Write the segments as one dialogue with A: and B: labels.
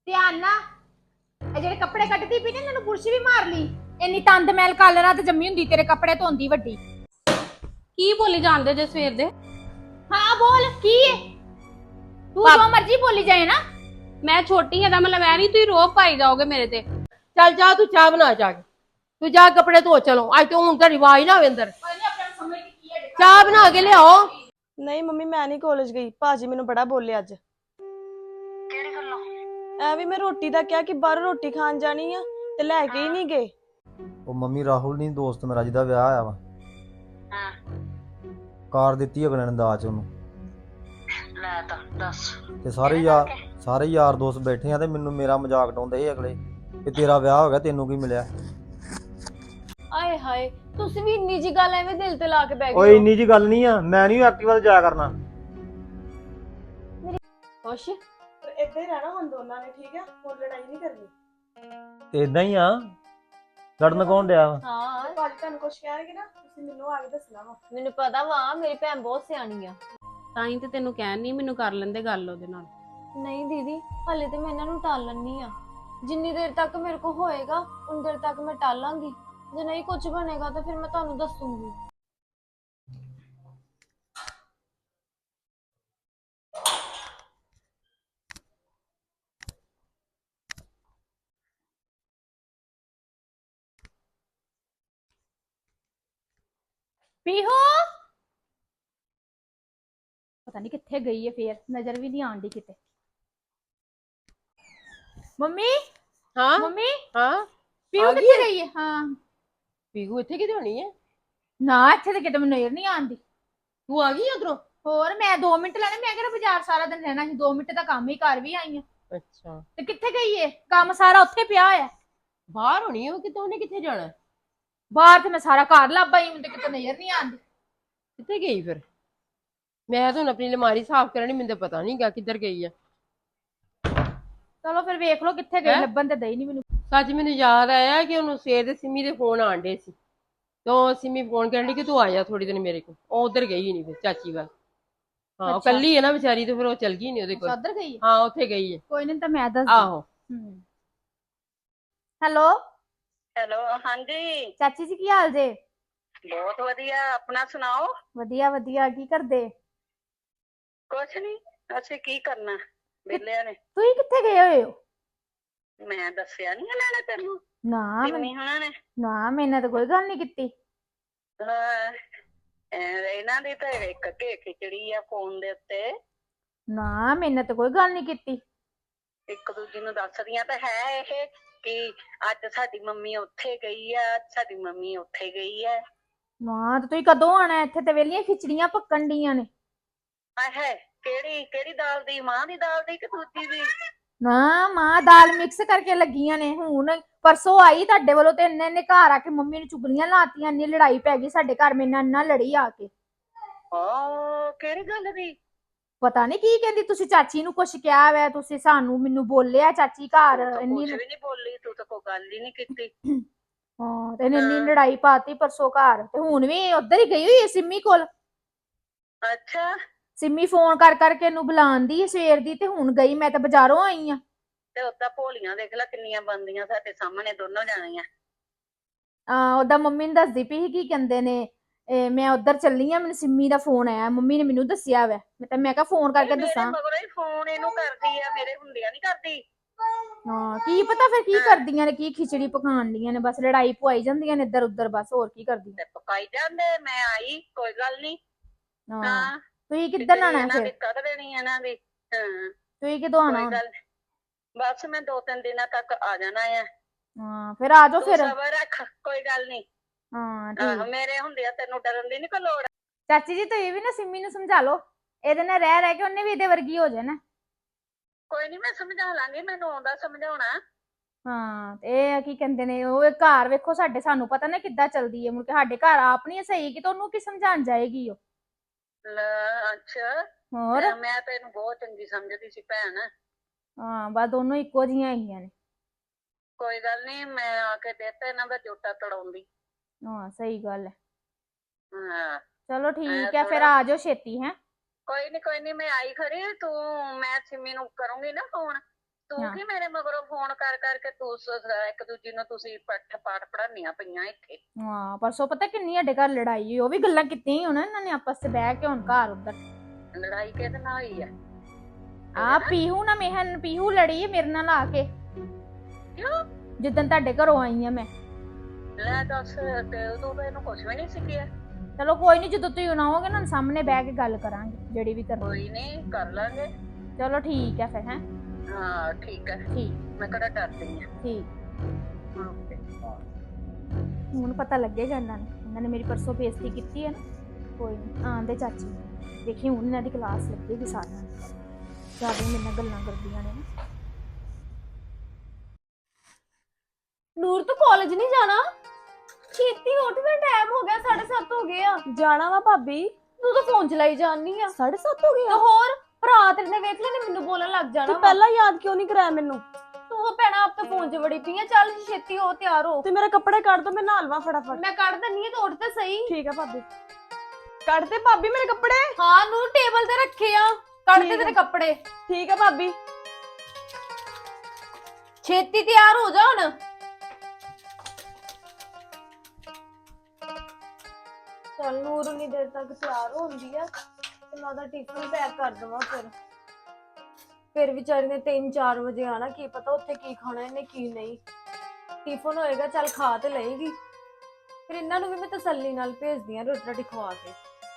A: ਧਿਆਨ ਨਾ ਇਹ ਜਿਹੜੇ ਕੱਪੜੇ ਕੱਢਦੀ ਪਈ ਨੇ ਇਹਨਾਂ ਨੂੰ ਬੁਰਸ਼ ਵੀ ਮਾਰ ਲਈ। ਇੰਨੀ ਤੰਦ ਮੈਲ ਕੱਲ ਰਾਤ ਜੰਮੀ ਹੁੰਦੀ ਤੇਰੇ ਕੱਪੜੇ ਧੋਂਦੀ ਵੱਡੀ।
B: ਕੀ ਬੋਲੀ ਜਾਂਦੇ ਜੇ ਸਵੇਰ ਦੇ?
A: ਹਾਂ ਬੋਲ ਕੀ ਹੈ? ਤੂੰ ਜੋ ਮਰਜ਼ੀ ਬੋਲੀ ਜਾਏ ਨਾ।
B: ਮੈਂ ਛੋਟੀ ਹਾਂ ਦਾ ਮਤਲਬ ਐ ਨਹੀਂ ਤੁਸੀਂ ਰੋਬ ਪਾਈ ਜਾਓਗੇ ਮੇਰੇ ਤੇ।
C: ਚੱਲ ਜਾ ਤੂੰ ਚਾਹ ਬਣਾ ਜਾ ਕੇ। ਤੂੰ ਜਾ ਕੱਪੜੇ ਧੋ ਚਲੋ ਅੱਜ ਤੋਂ ਹੁਣ ਤਾਂ ਰਿਵਾਜ ਨਾ ਹੋਵੇ ਅੰਦਰ। ਚਾਹ ਬਣਾ ਕੇ ਲਿਆਓ।
D: ਨਹੀਂ ਮੰਮੀ ਮੈਂ ਨਹੀਂ ਕਾਲਜ ਗਈ। ਭਾਜੀ ਮੈਨੂੰ ਬੜਾ ਬੋਲੇ ਅੱਜ।
E: ਕਿਹੜੀ ਗੱਲੋਂ?
D: ਐ ਵੀ ਮੈਂ ਰੋਟੀ ਦਾ ਕਿਹਾ ਕਿ ਬਾਹਰ ਰੋਟੀ ਖਾਣ ਜਾਣੀ ਆ ਤੇ ਲੈ ਕੇ ਹੀ ਨਹੀਂ ਗਏ।
F: ਉਹ ਮੰਮੀ ਰਾਹੁਲ ਨਹੀਂ ਦੋਸਤ ਮੇਰਾ ਜਿਹਦਾ ਵਿਆਹ ਆਇਆ ਵਾ,
E: ਹਾਂ
F: ਕਾਰ ਦਿੱਤੀ ਅਗਲੇ ਨੇ ਦਾਜ ਉਹਨੂੰ।
E: ਲੈ ਤਾਂ ਦੱਸ।
F: ਤੇ ਸਾਰੇ ਯਾਰ ਦੋਸਤ ਬੈਠੇ ਆ ਤੇ ਮੈਨੂੰ ਮੇਰਾ ਮਜ਼ਾਕ ਉਡਾਉਂਦੇ ਸੀ ਅਗਲੇ ਕਿ ਤੇਰਾ ਵਿਆਹ ਹੋ ਗਿਆ ਤੈਨੂੰ ਕੀ ਮਿਲਿਆ।
D: ਆਏ ਹਾਏ ਤੁਸੀਂ ਵੀ ਇੰਨੀ ਜੀ ਗੱਲ ਐਵੇਂ ਦਿਲ ਤੇ ਲਾ ਕੇ ਬਹਿ
F: ਓਏ ਇੰਨੀ ਜੀ ਗੱਲ ਨਹੀਂ ਆ, ਮੈਂ ਨਹੀਂ ਐਕਟਿਵਾ ਤੇ ਜਾਇਆ ਕਰਨਾ।
D: ਖੁਸ਼ ਪਰ ਇੱਦਾਂ ਹੀ ਰਹਿਣਾ ਹੁਣ ਦੋਨਾਂ ਨੇ, ਠੀਕ ਆ? ਹੁਣ ਲੜਾਈ ਨਹੀਂ ਕਰਨੀ।
F: ਤੇ ਇਦਾਂ ਹੀ ਆ, ਲੜਨ ਕੌਣ ਡਿਆ ਵਾ?
D: ਹਾਂ ਭਾਜੀ ਤੁਹਾਨੂੰ ਕੁਝ ਕਹਿਣਗੇ ਨਾ ਤੁਸੀਂ ਮੈਨੂੰ ਆ ਕੇ ਦੱਸਣਾ ਵਾ।
G: ਮੈਨੂੰ ਪਤਾ ਵਾ ਮੇਰੀ ਭੈਣ ਬਹੁਤ ਸਿਆਣੀ ਆ।
B: ਤਾਂ ਹੀ ਤੇ ਤੈਨੂੰ ਕਹਿਣ ਨਹੀਂ ਮੈਨੂੰ ਕਰ ਲੈਂਦੇ ਗੱਲ ਉਹਦੇ ਨਾਲ।
G: ਨਹੀਂ ਦੀਦੀ ਹਾਲੇ ਤੇ ਮੈਂ ਇਹਨਾਂ ਨੂੰ ਟਾਲਣੀ ਆ। ਜਿੰਨੀ ਦੇਰ ਤੱਕ ਮੇਰੇ ਕੋ ਹੋਏਗਾ ਉਨੀ ਦੇਰ ਤੱਕ ਮੈਂ ਟਾਲਾਂਗੀ। ਜੇ ਨਹੀਂ ਕੁਝ ਬਣੇਗਾ ਤਾਂ ਫਿਰ ਮੈਂ ਤੁਹਾਨੂੰ ਦੱਸੂਗੀ।
A: ਪੀਹੂ ਪਤਾ ਨਹੀਂ ਕਿੱਥੇ ਗਈ ਹੈ, ਫੇਰ ਨਜ਼ਰ ਵੀ ਨਹੀਂ ਆਉਂਦੀ ਕਿਤੇ। ਮੰਮੀ
C: ਹਾਂ
A: ਮੰਮੀ
C: ਹਾਂ
A: ਪੀਹੂ
C: ਆ ਗਈ
A: ਕਿੱਥੇ
C: ਹੈ?
A: ਗਈ ਹੈ? ਹਾਂ
C: ਪੀਗੂ ਇੱਥੇ ਕਿਤੇ ਹੋਣੀ ਹੈ?
A: ਨਾ ਇੱਥੇ ਤੇ ਕਿਤੇ ਮੈਨੂੰ ਨਜ਼ਰ ਨਹੀਂ ਆਉਂਦੀ।
C: ਤੂੰ ਆ ਗਈ ਉਧਰੋਂ?
A: ਹੋਰ ਮੈਂ 2 ਮਿੰਟ ਲੈਣੇ, ਮੈਂ ਕਿਹੜਾ ਬਾਜ਼ਾਰ ਸਾਰਾ ਦਿਨ ਰਹਿਣਾ ਸੀ। 2 ਮਿੰਟ ਦਾ ਕੰਮ ਹੀ ਕਰ ਵੀ ਆਈ ਆ।
C: ਅੱਛਾ
A: ਤੇ ਕਿੱਥੇ ਗਈ ਏ? ਕੰਮ ਸਾਰਾ ਉੱਥੇ ਪਿਆ ਹੋਇਆ।
C: ਬਾਹਰ ਹੋਣੀ ਉਹ ਕਿਤੇ, ਉਹਨੇ ਕਿੱਥੇ ਜਾਣਾ?
A: ਬਾਹਰ ਤੇ ਮੈਂ ਸਾਰਾ ਘਰ ਲੱਭ ਆਈ, ਮੈਨੂੰ ਤੇ ਕਿਤੇ ਨਜ਼ਰ ਨਹੀਂ ਆਉਂਦੀ।
C: ਕਿੱਥੇ ਗਈ ਫਿਰ? ਮੈਂ ਤਾਂ ਹੁਣ ਆਪਣੀ ਅਲਮਾਰੀ ਸਾਫ਼ ਕਰਨੀ, ਮੈਨੂੰ ਤਾਂ ਪਤਾ ਨਹੀਂਗਾ ਕਿੱਧਰ ਗਈ ਆ।
A: ਚਲੋ ਫਿਰ ਵੇਖ ਲਓ ਕਿੱਥੇ ਗਈ,
C: ਹੈਂ?
A: ਲੱਭਣ ਤੇ ਦਈ ਨਹੀਂ ਮੈਨੂੰ।
C: ਸੱਚ ਮੈਨੂੰ ਯਾਦ ਆਇਆ ਕਿ ਉਹਨੂੰ ਸਵੇਰ ਦੇ ਸਿੰਮੀ ਦੇ ਫੋਨ ਆਣ ਡੇ ਸੀ। ਤਾਂ ਸਿੰਮੀ ਫੋਨ ਕਰਨ ਡਈ ਕਿ ਤੂੰ ਆ ਜਾ ਥੋੜੀ ਦਿਨ ਮੇਰੇ ਕੋਲ। ਉਹ ਉਧਰ ਗਈ ਨਹੀਂ ਫਿਰ ਚਾਚੀ ਵੱਲ। ਹਾਂ ਉਹ
A: ਅੱਛਾ।
C: ਕੱਲੀ ਹੈ ਨਾ ਵਿਚਾਰੀ, ਤੇ ਫਿਰ ਉਹ ਚਲ ਗਈ ਨਹੀਂ ਉਹਦੇ ਕੋਲ।
A: ਉੱਧਰ ਗਈ ਹੈ?
C: ਹਾਂ ਉੱਥੇ ਗਈ ਹੈ।
A: ਕੋਈ ਨਹੀਂ ਤਾਂ ਮੈਂ ਦੱਸ
C: ਆਹੋ
A: ਹੈਲੋ
E: ਹੈਲੋ ਹਾਂਜੀ
A: ਚਾਚੀ ਜੀ ਕੀ ਹਾਲ ਜੇ?
E: ਬਹੁਤ ਵਧੀਆ, ਆਪਣਾ ਸੁਣਾਓ।
A: ਵਧੀਆ ਵਧੀਆ। ਕੀ ਕਰਦੇ?
E: ਕੁਛ ਨਹੀਂ, ਅਸੀਂ ਕੀ ਕਰਨਾ ਵਿਹਲਿਆਂ ਨੇ।
A: ਤੁਸੀਂ ਕਿੱਥੇ ਗਏ ਹੋਏ ਹੋ?
E: ਮੈਂ ਦੱਸਿਆ ਨਹੀਂ ਇਹਨਾਂ ਨੇ ਤੈਨੂੰ?
A: ਨਾ
E: ਸਿੰਮੀ ਹੁਣਾਂ ਨੇ।
A: ਨਾ ਮੈਨੇ ਤਾਂ ਕੋਈ ਗੱਲ ਨਹੀਂ ਕੀਤੀ।
E: ਹਾਂ, ਇਹਨਾਂ ਦੀ ਤਾਂ ਇੱਕ ਘੇ ਖਿਚੜੀ ਆ ਫੋਨ ਦੇ ਉੱਤੇ।
A: ਨਾ ਮੈਨੇ ਤਾਂ ਕੋਈ ਗੱਲ ਨਹੀਂ ਕੀਤੀ।
E: ਇੱਕ ਦੂਜੀ ਨੂੰ ਦੱਸਦੀਆਂ ਤਾਂ ਹੈ ਇਹ ਕਿ ਅੱਜ ਸਾਡੀ ਮੰਮੀ ਉੱਥੇ ਗਈ ਆ, ਸਾਡੀ ਮੰਮੀ ਉੱਥੇ ਗਈ ਆ।
A: ਨਾ ਤੇ ਤੁਸੀਂ ਕਦੋਂ ਆਣਾ? ਇੱਥੇ ਤੇ ਵੇਲੀਆਂ ਖਿਚੜੀਆਂ ਪੱਕਣ ਡੀਆਂ ਨੇ।
E: ਆਹੇ ਕਿਹੜੀ ਕਿਹੜੀ ਦਾਲ ਦੀ? ਮਾਂ ਦੀ ਦਾਲ ਦੀ ਕਿ ਦੂਜੀ ਦੀ?
A: ਨਾ ਮਾਂ ਦਾਲ ਮਿਕਸ ਕਰਕੇ ਲੱਗੀਆਂ ਨੇ। ਹੁਣ ਪਰਸੋਂ ਆਈ ਤੁਹਾਡੇ ਵੱਲੋਂ ਤੇ ਇੰਨੇ ਘਰ ਆ ਕੇ ਮੰਮੀ ਨੂੰ ਚੁਗਲੀਆਂ ਲਾਤੀਆਂ, ਇੰਨੀ ਲੜਾਈ ਪੈ ਗਈ ਸਾਡੇ ਘਰ। ਮੇਰੇ ਨਾਲ ਇੰਨਾ ਲੜੀ ਆ ਕੇ।
E: ਕਿਹੜੀ ਗੱਲ ਦੀ?
A: ਪਤਾ ਨਹੀਂ ਕੀ ਕਹਿੰਦੀ। ਤੁਸੀਂ ਚਾਚੀ ਨੂੰ ਕੁਛ ਕਿਹਾ ਵੈ, ਤੁਸੀਂ ਸਾਨੂੰ ਮੈਨੂੰ ਬੋਲਿਆ ਚਾਚੀ ਘਰ
E: ਤੂੰ ਤਾਂ
A: ਇੰਨੀ।
E: ਕੁਛ ਵੀ ਨਹੀਂ ਬੋਲੀ, ਤੂੰ ਤਾਂ ਕੋਈ ਗੱਲ ਹੀ ਨਹੀਂ ਕੀਤੀ।
A: ਹਾਂ ਤੇ ਇੰਨੀ ਲੜਾਈ ਪਾਤੀ ਪਰਸੋਂ ਘਰ। ਤੇ ਹੁਣ ਵੀ ਉੱਧਰ ਹੀ ਗਈ ਹੋਈ ਹੈ ਸਿੰਮੀ ਕੋਲ।
E: ਅੱਛਾ
A: ਸਿੰਮੀ ਫੋਨ ਕਰ ਕਰਕੇ ਇਹਨੂੰ ਬੁਲਾਉਂਦੀ ਹੈ ਸਵੇਰ ਦੀ, ਤੇ ਹੁਣ ਗਈ। ਮੈਂ ਤਾਂ ਬਾਜ਼ਾਰੋਂ ਆਈ ਆ।
E: ਤੇ ਉਦਾਂ ਭੋਲੀਆਂ ਦੇਖ ਲੈ ਕਿੰਨੀਆਂ ਬਣਦੀਆਂ ਸਾਡੇ ਸਾਹਮਣੇ ਦੋਨੋਂ ਜਾਣੀਆਂ।
A: ਉਹਦਾ ਮੰਮੀ ਨੂੰ ਦੱਸਦੀ ਪਈ ਸੀ ਕੀ ਕਹਿੰਦੇ ਨੇ, ਮੈਂ ਉੱਧਰ ਚੱਲੀ ਆ, ਮੈਨੂੰ ਸਿੰਮੀ ਦਾ ਫੋਨ ਆਇਆ, ਮੰਮੀ ਨੇ ਮੈਨੂੰ ਦੱਸਿਆ ਵੈ। ਮੈਂ ਕਿਹਾ ਫੋਨ ਕਰਕੇ
E: ਮੇਰੇ
A: ਦੱਸਾਂ।
E: ਮਗਰੋਂ ਹੀ ਫੋਨ ਇਹਨੂੰ ਕਰਦੀ ਆ, ਮੇਰੇ ਹੁੰਦਿਆਂ ਨਹੀਂ ਕਰਦੀ।
A: ਹਾਂ ਕੀ ਪਤਾ ਫਿਰ ਕੀ ਕਰਦੀਆਂ ਨੇ, ਕੀ ਖਿਚੜੀ ਪਕਾਉਣ ਦੀਆਂ ਨੇ। ਬਸ ਲੜਾਈ ਪਵਾਈ ਜਾਂਦੀਆਂ ਨੇ ਇੱਧਰ ਉੱਧਰ, ਬਸ ਹੋਰ ਕੀ ਕਰਦੀਆਂ।
E: ਤੇ ਪਕਾਈ ਜਾਂਦੇ, ਮੈਂ ਆਈ ਕੋਈ ਗੱਲ ਨਹੀਂ।
A: ਹਾਂ
E: ਹਾਂ
A: ਤੁਸੀਂ ਕਿੱਦਣ ਆਣਾ
E: ਇਹਨਾਂ ਦੀ
A: ਫਿਰ?
E: ਕੱਢ ਦੇਣੀ ਇਹਨਾਂ ਦੀ। ਹਾਂ
A: ਤੁਸੀਂ ਕਿਦੋਂ ਆਣਾ?
E: ਕੋਈ ਗੱਲ ਨੀ। ਬਸ ਮੈਂ 2-3 ਦਿਨਾਂ ਤੱਕ ਆ ਜਾਣਾ ਆ।
A: ਹਾਂ ਫਿਰ ਆ ਜਾਓ
E: ਤੂੰ
A: ਫਿਰ।
E: ਸਬਰ ਰੱਖ, ਕੋਈ ਗੱਲ ਨਹੀਂ।
A: ਹਾਂ ਠੀਕ।
E: ਮੇਰੇ ਹੁੰਦਿਆਂ ਤੈਨੂੰ ਡਰਨ ਦੀ ਨਹੀਂ ਕੋਈ ਲੋੜ।
A: ਚਾਚੀ ਜੀ ਤੁਸੀਂ ਵੀ ਨਾ ਸਿੰਮੀ ਨੂੰ ਸਮਝਾ ਲਓ, ਇਹਦੇ ਨਾਲ ਰਹਿ ਰਹਿ ਕੇ ਉਹਨੇ ਵੀ ਇਹਦੇ ਵਰਗੀ ਹੋ ਜਾਣਾ।
E: ਕੋਈ ਨਹੀਂ ਮੈਂ ਸਮਝਾ ਲਾਂਗੀ, ਮੈਨੂੰ ਆਉਂਦਾ ਸਮਝਾਉਣਾ।
A: ਹਾਂ ਤੇ ਇਹ ਕੀ ਕਹਿੰਦੇ ਨੇ, ਉਹ ਘਰ ਵੇਖੋ ਸਾਡੇ, ਸਾਨੂੰ ਪਤਾ ਨਾ ਕਿੱਦਾਂ ਚੱਲਦੀ ਹੈ। ਮੁੜ ਕੇ ਸਾਡੇ ਘਰ ਆਪ ਨਹੀਂ ਸਹੀ ਕਿ ਉਹਨੂੰ ਕੀ ਸਮਝਾਉਣ ਜਾਏਗੀ ਉਹ।
E: ਅੱਛਾ
A: ਹੋਰ
E: ਮੈਂ ਤੈਨੂੰ ਬਹੁਤ ਚੰਗੀ ਸਮਝਦੀ ਸੀ ਭੈਣ।
A: ਹਾਂ ਬਸ ਦੋਨੋਂ ਇੱਕੋ ਜਿਹੀਆਂ ਹੈਗੀਆਂ ਨੇ।
E: ਕੋਈ ਗੱਲ ਨਹੀਂ, ਮੈਂ ਆ ਕੇ ਦਿੱਤਾ ਇਹਨਾਂ ਦਾ ਜੋਟਾ ਤੜਾਉਂਦੀ।
A: ਹਾਂ ਸਹੀ ਗੱਲ ਹੈ।
E: ਹਾਂ
A: ਚਲੋ ਠੀਕ ਹੈ ਫਿਰ ਆ ਜਾਓ ਛੇਤੀ। ਹੈ
E: ਕੋਈ ਨਹੀਂ ਮੈਂ ਆਈ ਖੜੀ। ਤੂੰ ਮੈਂ ਸਿੰਮੀ ਨੂੰ ਕਰੂੰਗੀ ਨਾ ਫੋਨ, ਤੂੰ
A: ਹਾਂ।
E: ਕੀ ਮੇਰੇ ਮਗਰੋਂ ਫੋਨ ਕਰ ਕਰਕੇ ਤੂੰ ਇੱਕ ਦੂਜੀ ਨੂੰ ਤੁਸੀਂ ਪਾਠ ਪੜਾਨੀਆਂ ਪਈਆਂ ਇੱਥੇ।
A: ਹਾਂ ਪਰਸੋਂ ਪਤਾ ਕਿੰਨੀ ਸਾਡੇ ਘਰ ਲੜਾਈ ਹੋਈ, ਉਹ ਵੀ ਗੱਲਾਂ ਕੀਤੀਆਂ ਹੀ ਹੋਣਾ ਇਹਨਾਂ ਨੇ ਆਪਸ ਚ ਬਹਿ ਕੇ ਹੁਣ ਘਰ ਉੱਧਰ।
E: ਲੜਾਈ ਕਿਹਦੇ ਨਾਲ ਹੋਈ ਆ?
A: ਆ ਪੀਹੂ ਨਾ ਮਿਹਨ ਪੀਹੂ ਲੜੀ ਮੇਰੇ ਨਾਲ ਆ ਕੇ
E: ਕਿਉਂ?
A: ਜਿੱਦਣ ਤੁਹਾਡੇ ਘਰੋਂ ਆਈ ਆ ਮੈਂ।
E: ਲੈ ਦੱਸ, ਤੇ ਉਦੋਂ ਤਾਂ ਇਹਨੂੰ ਕੁਛ ਵੀ ਨਹੀਂ ਸੀ ਕਿਹਾ।
A: ਚਲੋ ਕੋਈ ਨਹੀਂ, ਜਦੋਂ ਤੁਸੀਂ ਆਓਗੇ ਨਾ ਸਾਹਮਣੇ ਬਹਿ ਕੇ ਗੱਲ ਕਰਾਂਗੇ ਜਿਹੜੀ ਵੀ ਕਰਨੀ।
E: ਕੋਈ ਨਹੀਂ, ਕਰ ਲਾਂਗੇ।
A: ਚਲੋ ਠੀਕ ਹੈ ਫਿਰ ਹੈ।
E: ਹਾਂ ਠੀਕ ਹੈ,
A: ਠੀਕ
E: ਮੈਂ ਕਿਹੜਾ ਡਰਦੀ ਆ।
A: ਠੀਕ।
E: ਓਕੇ।
A: ਹੁਣ ਪਤਾ ਲੱਗੇਗਾ ਇਹਨਾਂ ਨੇ ਮੇਰੀ ਪਰਸੋਂ ਬੇਇੱਜ਼ਤੀ ਕੀਤੀ ਹੈ ਨਾ। ਕੋਈ ਨਹੀਂ ਆਂਦੇ ਚਾਚੀ ਦੇਖੀ ਹੁਣ ਇਹਨਾਂ ਦੀ ਕਲਾਸ ਲੱਗੇਗੀ ਸਾਰਿਆਂ ਨੂੰ। ਜਿਆਦਾ ਮੇਰੇ ਨਾਲ ਗੱਲਾਂ ਕਰਦੀਆਂ ਨੇ ਨਾ।
G: ਨੂਰ ਤੂੰ ਕਾਲਜ ਨਹੀਂ ਜਾਣਾ? ਛੇਤੀ ਉੱਠ, ਦਾ ਟਾਈਮ ਹੋ ਗਿਆ, 7:30 ਹੋ ਗਏ ਆ।
D: ਜਾਣਾ ਵਾ ਭਾਬੀ।
G: ਤੂੰ ਤਾਂ ਫੋਨ ਚਲਾਈ ਜਾਣੀ ਆ।
D: 7:30 ਹੋ ਗਏ
G: ਤੇ
D: ਆ?
G: ਹੋਰ ਭਰਾ ਤੇਰੇ ਨੇ ਵੇਖ ਲੈਣੇ ਮੈਨੂੰ ਬੋਲਣ ਲੱਗ ਜਾਣਾ
D: ਤੂੰ
G: ਵਾ।
D: ਪਹਿਲਾਂ ਯਾਦ ਕਿਉਂ ਨਹੀਂ ਕਰਾਇਆ ਮੈਨੂੰ?
G: ਤੂੰ ਉਹ ਭੈਣਾ ਆਪ ਤਾਂ ਫੋਨ 'ਚ ਵੜੀ ਪਈ ਆ। ਚੱਲ ਛੇਤੀ ਹੋ, ਤਿਆਰ ਹੋ।
D: ਤੇ ਮੇਰੇ ਕੱਪੜੇ ਕੱਢ ਦੋ, ਮੈਂ ਨਹਾ ਲਵਾਂ ਫਟਾਫਟ।
G: ਮੈਂ ਕੱਢ ਦਿੰਨੀ ਆ, ਤੂੰ ਉੱਠ ਤਾਂ ਸਹੀ।
D: ਠੀਕ ਆ ਭਾਬੀ। ਕੱਢ ਦੇ ਭਾਬੀ ਮੇਰੇ ਕੱਪੜੇ।
G: ਹਾਂ ਨੂਰ ਟੇਬਲ ਤੇ ਰੱਖੇ ਆ, ਕੱਢ ਦੇ
D: ਠੀਕ
G: ਤੇਰੇ
D: ਆ।
G: ਕੱਪੜੇ।
D: ਠੀਕ ਆ ਭਾਬੀ।
G: ਛੇਤੀ ਤਿਆਰ ਹੋ ਜਾ ਹੁਣ। ਚੱਲ ਨੂਰ ਉਨੀ ਦੇਰ ਤੱਕ ਤਿਆਰ ਹੁੰਦੀ ਆ ਤੇ ਮੈਂ ਉਹਦਾ ਟਿਫਨ ਪੈਕ ਕਰ ਦਵਾਂ। ਫਿਰ ਵਿਚਾਰੀ ਨੇ 3-4 ਵਜੇ ਆਣਾ, ਕੀ ਪਤਾ ਉੱਥੇ ਕੀ ਖਾਣਾ ਇਹਨੇ ਕੀ ਨਹੀਂ। ਟਿਫਨ ਹੋਏਗਾ ਚੱਲ ਖਾ ਤੇ ਲਏਗੀ। ਫਿਰ ਇਹਨਾਂ ਨੂੰ ਵੀ ਮੈਂ ਤਸੱਲੀ ਨਾਲ ਭੇਜਦੀ ਆ ਰੋਟੀ ਰਾਟੀ ਖਵਾ ਕੇ।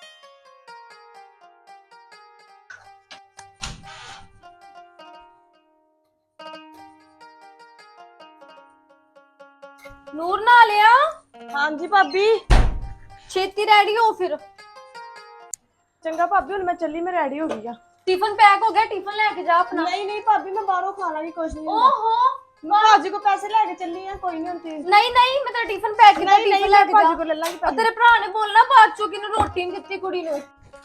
G: ਨੂਰ ਨਾ ਲਿਆ,
D: ਹਾਂਜੀ ਭਾਬੀ।
G: ਛੇਤੀ ਰੈਡੀ ਹੋ ਫਿਰ।
D: ਚੰਗਾ ਭਾਬੀ, ਹੁਣ ਮੈਂ ਚੱਲੀ, ਮੈਂ ਰੈਡੀ ਹੋ ਗਈ ਆ।
G: ਟਿਫਨ ਪੈਕ ਹੋ ਗਿਆ, ਟਿਫਨ ਲੈ ਕੇ ਜਾ ਆਪਣਾ।
D: ਨਹੀਂ ਨਹੀਂ ਭਾਬੀ, ਮੈਂ ਬਾਹਰੋਂ ਖਾ ਲਾਂਗੀ, ਕੁਝ ਨਹੀਂ।
G: ਓਹੋ
D: ਮੈਂ ਭਾਜੀ ਕੋ ਪੈਸੇ ਲੈ ਕੇ ਚੱਲੀ ਆ, ਕੋਈ ਨਹੀਂ ਹੁੰਦੀ।
G: ਨਹੀਂ ਨਹੀਂ, ਮੈਂ ਤਾਂ ਟਿਫਨ ਪੈਕ ਕੀਤਾ,
D: ਨਹੀਂ ਨਹੀਂ,
G: ਟਿਫਨ ਲੈ
D: ਮੈਂ
G: ਕੇ
D: ਭਾਜੀ
G: ਜਾ।
D: ਕੋ ਲੈ ਲਾਂਗੀ
G: ਉਹ
D: ਪੈਸੇ।
G: ਤੇਰੇ ਭਰਾ ਨੇ ਬੋਲਣਾ ਬਾਅਦ ਚੋਂ ਕਿ ਇਹਨੂੰ ਰੋਟੀ ਨਹੀਂ ਦਿੱਤੀ ਕੁੜੀ ਨੂੰ।